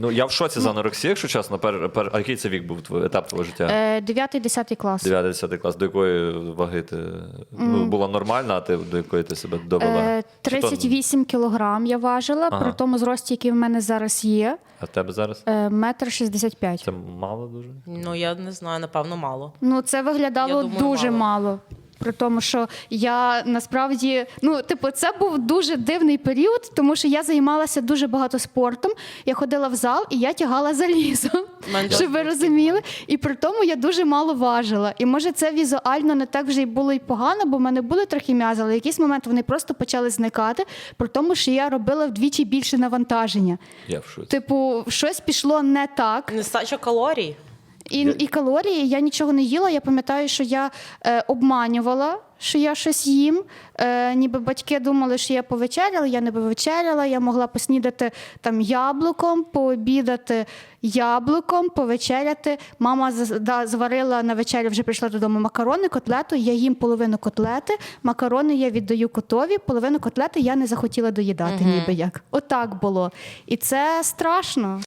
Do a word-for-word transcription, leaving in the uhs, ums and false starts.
Ну, я в шоці за анорексію, якщо чесно. Пер, пер, а який це вік був, твій, етап твого життя? Е, дев'ятий-десятий клас. дев'ятий-десятий клас. До якої ваги ти ну, була нормальна, а ти до якої ти себе довела? Е, тридцять вісім кілограм я важила, Ага. при тому зрості, який в мене зараз є. А в тебе зараз? Е, метр шістдесят п'ять. Це мало дуже? Ну, я не знаю, напевно, мало. Ну, це виглядало Я думаю, дуже мало. мало. При тому, що я насправді, ну, типу, це був дуже дивний період, тому що я займалася дуже багато спортом. Я ходила в зал і я тягала залізо, Мене щоб ви теж розуміли. І при тому я дуже мало важила. І може це візуально не так вже й було й погано, бо в мене були трохи м'язи, але в якийсь момент вони просто почали зникати, при тому, що я робила вдвічі більше навантаження. Я в шоці. Типу, щось пішло не так. Нестача калорій. І, і калорії, я нічого не їла. Я пам'ятаю, що я е, обманювала, що я щось їм. Е, ніби батьки думали, що я повечеряла, я не повечеряла. Я могла поснідати там яблуком, пообідати яблуком, повечеряти. Мама з- да, зварила на вечерю, вже прийшла додому макарони, котлету. Я їм половину котлети, макарони я віддаю котові, половину котлети я не захотіла доїдати, ніби як. Отак було. І це страшно.